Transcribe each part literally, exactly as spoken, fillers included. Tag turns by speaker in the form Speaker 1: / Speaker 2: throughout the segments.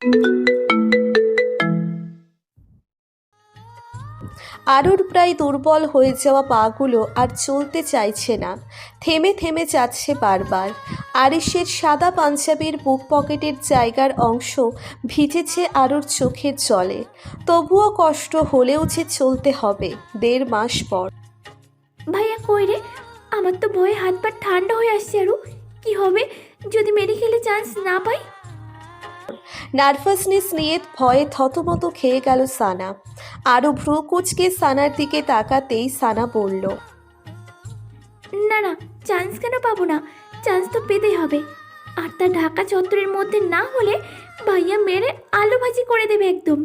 Speaker 1: আরুর প্রায় দুর্বল হয়ে যাওয়া পাগুলো আর চলতে চাইছে না, থেমে থেমে যাচ্ছে বারবার। আরিশের সাদা পাঞ্জাবির বুক পকেটের জায়গার অংশ ভিজেছে আরুর চোখের জলে। তবুও কষ্ট হলেও যে চলতে হবে দেড় মাস পর।
Speaker 2: ভাইয়া কই রে? আমার তো ভয়ে হাত পা ঠান্ডা হয়ে আসছে। আরু কি হবে যদি মেডিকেলে চান্স না পাই?
Speaker 1: নার্ভাসনেস নিয়ে ভয়ে থতমত খেয়ে গেল সানা। আরও ভ্রু কুচকে সানার দিকে তাকাতেই সানা বলল,
Speaker 2: না না, চান্স কেন পাবো না? চান্স তো পেতেই হবে। আর তা ঢাকা চত্বরের মধ্যে না হলে ভাইয়া মেরে আলু ভাজি করে দেবে একদম।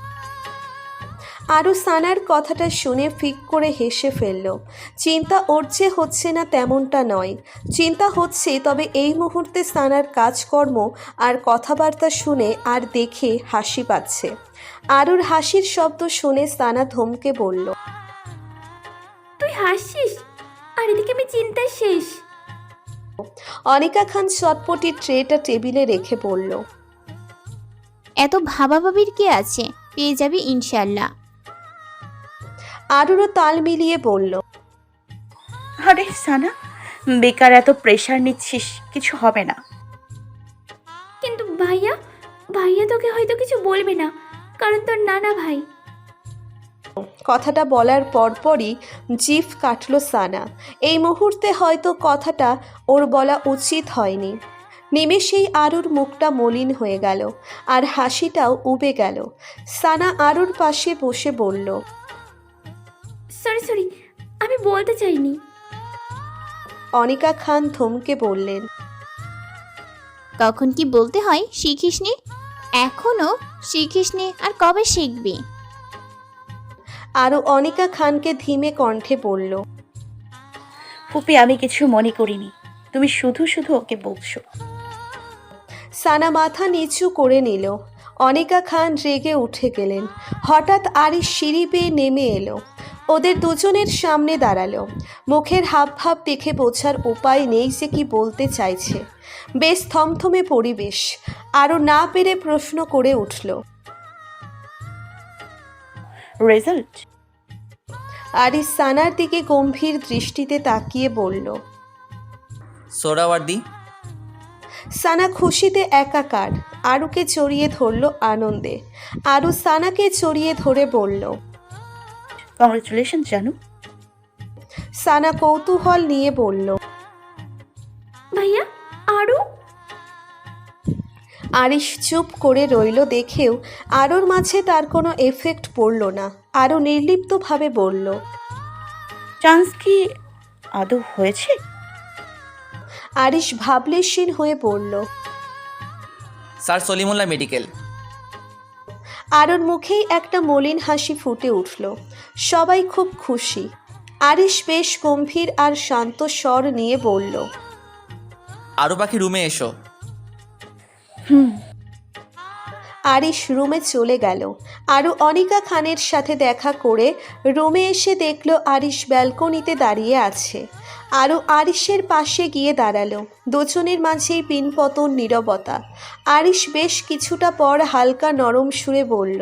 Speaker 1: আরও সানার কথাটা শুনে ফিক করে হেসে ফেলল। চিন্তা ওর যে হচ্ছে না তেমনটা নয়, চিন্তা হচ্ছে, তবে এই মুহূর্তে সানার কাজকর্ম আর কথাবার্তা শুনে আর দেখে হাসি পাচ্ছে। আরুর হাসির শব্দ শুনে সানা ধমকে বলল,
Speaker 2: তুই হাসিস আর এদিকে আমি চিন্তায় শেষ।
Speaker 1: অনিকা খান চটপটি ট্রেটা টেবিলে রেখে বলল,
Speaker 3: এত ভাবাভাবির কি আছে, পেয়ে যাবি ইনশাল্লাহ।
Speaker 1: আরুরও তাল মিলিয়ে বলল,
Speaker 4: আরে সানা, বেকার এত প্রেশার নিচ্ছিস, কিছু হবে না।
Speaker 2: কিন্তু ভাইয়া ভাইয়া তোকে হয়তো কিছু বলবে না, কারণ তোর নানা ভাই।
Speaker 1: কথাটা বলার পরপরই জিভ কাটল সানা। এই মুহূর্তে হয়তো কথাটা ওর বলা উচিত হয়নি। নিমেষেই আরুর মুখটা মলিন হয়ে গেল আর হাসিটাও উবে গেল। সানা আরুর পাশে বসে বলল,
Speaker 2: সরি সরি, আমি বলতে চাইনি।
Speaker 1: অনিকা খান থমকে বললেন,
Speaker 3: কখন কি বলতে হয় শিখিসনি? এখনো শিখিসনি, আর কবে শিখবি?
Speaker 1: আরও অনিকা খানকে ধীমে কণ্ঠে বলল,
Speaker 4: ফুপি, আমি কিছু মনে করিনি, তুমি শুধু শুধু ওকে বলছো।
Speaker 1: সানা মাথা নিচু করে নিল। অনিকা খান রেগে উঠে গেলেন। হঠাৎ আরিশ সিঁড়ি বেয়ে নেমে এলো, ওদের দুজনের সামনে দাঁড়ালো। মুখের হাবভাব দেখে বোঝার উপায় নেই যে কি বলতে চাইছে। বেশ থমথমে পরিবেশ। আরও না পেরে প্রশ্ন করে উঠল,
Speaker 4: রেজাল্ট?
Speaker 1: আরিশ সানার দিকে গম্ভীর দৃষ্টিতে তাকিয়ে বলল,
Speaker 5: সোহরাওয়ার্দী।
Speaker 1: সানা খুশিতে একাকার, আরুকে জড়িয়ে ধরল আনন্দে। আরু সানাকে জড়িয়ে ধরে বলল,
Speaker 4: কংগ্রেচুলেশন জানু।
Speaker 1: সানা কৌতূহল নিয়ে বলল,
Speaker 2: ভাইয়া আরু?
Speaker 1: আরিশ চুপ করে রইল। দেখেও আরুর মাঝে তার কোনো এফেক্ট পড়ল না। আরও নির্লিপ্তভাবে বলল,
Speaker 4: চান্স কি আদৌ হয়েছে?
Speaker 1: আরিশ ভাবলেশীন হয়ে বলল,
Speaker 5: স্যার সলিমুল্লাহ মেডিকেল।
Speaker 1: আরুর মুখেই একটা মলিন হাসি ফুটে উঠল। সবাই খুব খুশি। আরিশ বেশ গম্ভীর আর শান্ত স্বর নিয়ে বলল,
Speaker 5: আরু পাখি রুমে এসো।
Speaker 4: হুম।
Speaker 1: আরিশ রুমে চলে গেল। আরও অনিকা খানের সাথে দেখা করে রুমে এসে দেখল আরিশ ব্যালকনিতে দাঁড়িয়ে আছে। আরও আরিশের পাশে গিয়ে দাঁড়ালো। দুজনের মাঝেই পিনপতন নীরবতা। আরিশ বেশ কিছুটা পর হালকা নরম সুরে বলল,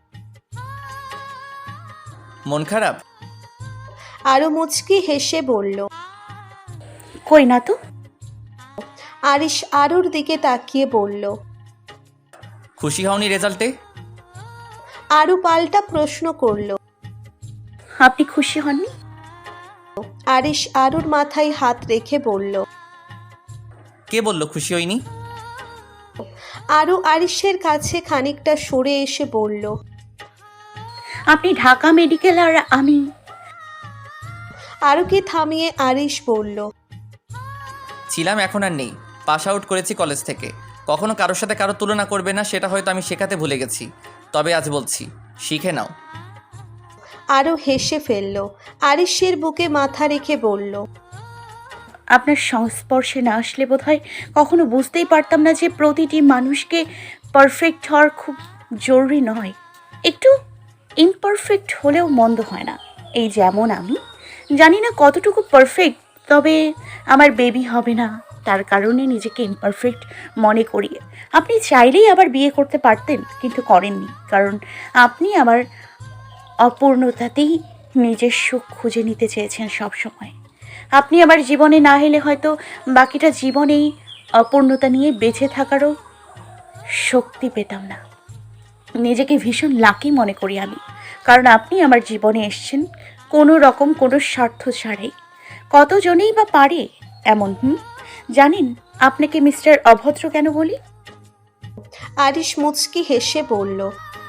Speaker 5: মন খারাপ?
Speaker 1: আরও মুচকি হেসে বলল,
Speaker 4: কই না তো।
Speaker 1: আরিশ আরুর দিকে তাকিয়ে বলল,
Speaker 5: খুশি হওনি রেজাল্টে?
Speaker 1: আরু পাল্টা প্রশ্ন করল।
Speaker 4: আপনি খুশি হননি?
Speaker 1: আরিশ আরুর মাথায় হাত রেখে বলল,
Speaker 5: কে বলল খুশি হইনি?
Speaker 1: আরু আরিশের কাছে খানিকটা সরে এসে বলল,
Speaker 4: আপনি ঢাকা মেডিকেল আর আমি।
Speaker 1: আরুকে থামিয়ে আরিশ বলল,
Speaker 5: ছিলাম, এখন আর নেই। পাস আউট করেছি কলেজ থেকে। কখনো কারোর সাথে কারো তুলনা করবে না, সেটা হয়তো আমি শেখাতে ভুলে গেছি। তবে আজ বলছি, শিখে নাও।
Speaker 1: আরও হেসে ফেলল। আরিশের বুকে মাথা রেখে বলল,
Speaker 4: আপনার সংস্পর্শে না আসলে বোধহয় কখনো বুঝতেই পারতাম না যে প্রতিটি মানুষকে পারফেক্ট হওয়ার খুব জরুরি নয়, একটু ইমপারফেক্ট হলেও মন্দ হয় না। এই যেমন আমি জানি না কতটুকু পারফেক্ট, তবে আমার বেবি হবে না, তার কারণে নিজেকে ইমপারফেক্ট মনে করি। আপনি চাইলেই আবার বিয়ে করতে পারতেন, কিন্তু করেননি, কারণ আপনি আমার অপূর্ণতাতেই নিজের সুখ খুঁজে নিতে চেয়েছেন সব সময়। আপনি আমার জীবনে না এলে হয়তো বাকিটা জীবনেই অপূর্ণতা নিয়ে বেঁচে থাকারও শক্তি পেতাম না। নিজেকে ভীষণ লাকি মনে করি আমি, কারণ আপনি আমার জীবনে এসেছেন কোনো রকম কোনো স্বার্থ ছাড়াই। কতজনেই বা পারে এমন? হুম জানেন আপনাকে মিস্টার অভদ্র কেন বলি?
Speaker 1: আরিশ মুচকি হেসে বলল।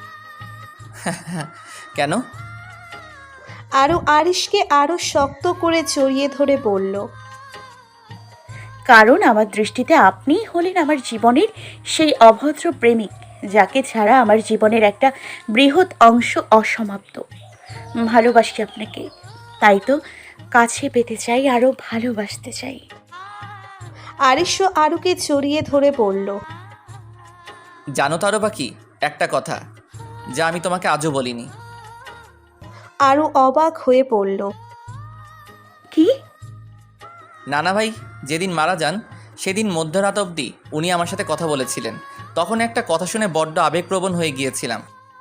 Speaker 5: কেন?
Speaker 1: আরও আরিশকে আরও শক্ত করে জড়িয়ে ধরে বলল।
Speaker 4: কারণ আমার দৃষ্টিতে আপনিই হলেন আমার জীবনের সেই অভদ্র প্রেমিক, যাকে ছাড়া আমার জীবনের একটা বৃহৎ অংশ অসমাপ্ত। ভালোবাসি আপনাকে, তাই তো কাছে পেতে চাই, আরও ভালোবাসতে চাই।
Speaker 1: আরিশও আরুকে জড়িয়ে ধরে বলল।
Speaker 5: জানো তো আরও বাকি একটা কথা, যা আমি তোমাকে আজও বলিনি।
Speaker 1: আরু অবাক হয়ে পড়ল।
Speaker 4: কি?
Speaker 5: নানা ভাই যেদিন মারা যান সেদিন মধ্যরাত অবধি উনি আমার সাথে কথা বলেছিলেন। তখন একটা কথা শুনে বড্ড আবেগপ্রবণ হয়ে গিয়েছিলাম।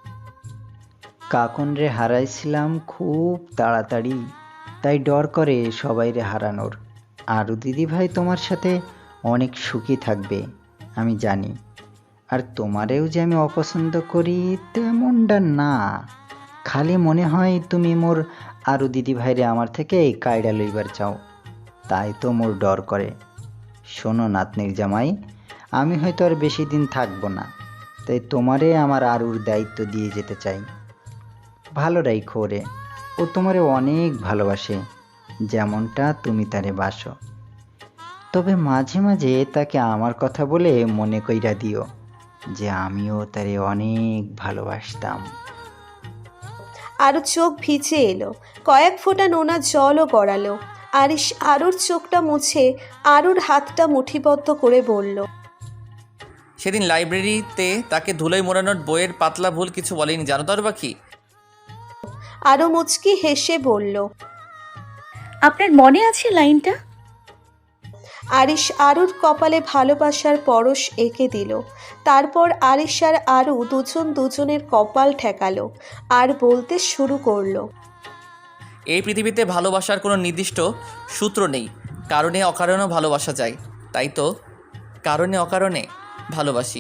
Speaker 6: কাকন রে হারাইছিলাম খুব তাড়াতাড়ি, তাই ডর করে সবাই রে হারানোর। আরও দিদি ভাই তোমার সাথে অনেক সুখী থাকবে আমি জানি। আর তোমারেও যে আমি অপছন্দ করি তেমনটা না, খালি মনে হয় তুমি মোর আরও দিদি ভাইরে আমার থেকে কায়ডা লইবার চাও, তাই তো মোর ডর করে। শোনো নাতনির জামাই, আমি হয়তো আর বেশি দিন থাকবো না, তাই তোমারে আমার আরুর দায়িত্ব দিয়ে যেতে চাই। ভালো রাইখো রে, ও তোমারে অনেক ভালোবাসে যেমনটা তুমি তারে বাসো। তবে মাঝে মাঝে তাকে আমার কথা বলে মনে কইরা দিও যে আমিও তারে অনেক ভালোবাসতাম।
Speaker 1: আরও চোখ ভিজে এলো, কয়েক ফোঁটা নোনা জলও গড়ালো। আরিশ আরুর চোখটা মুছে আরুর হাতটা মুঠিবদ্ধ করে বলল।
Speaker 5: সেদিন লাইব্রেরিতে তাকে ধুলোয় মোড়ানোর বইয়ের পাতলা ভুল কিছু বলেনি, জানো তো আরও বাকি?
Speaker 1: আরও মুচকি হেসে বলল।
Speaker 4: আপনার মনে আছে লাইনটা?
Speaker 1: আরিশ আরুর কপালে ভালোবাসার পরশ এঁকে দিল। তারপর আরিশ আর আরু দুজন দুজনের কপাল ঠেকালো আর বলতে শুরু করলো।
Speaker 5: এই পৃথিবীতে ভালোবাসার কোনো নির্দিষ্ট সূত্র নেই, কারণে অকারণেও ভালোবাসা যায়, তাই তো কারণে অকারণে ভালোবাসি।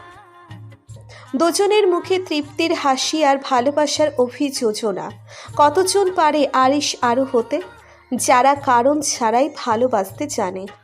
Speaker 1: দুজনের মুখে তৃপ্তির হাসি আর ভালোবাসার অভিযোজনা। কতজন পারে আরিশ আরু হতে, যারা কারণ ছাড়াই ভালোবাসতে জানে।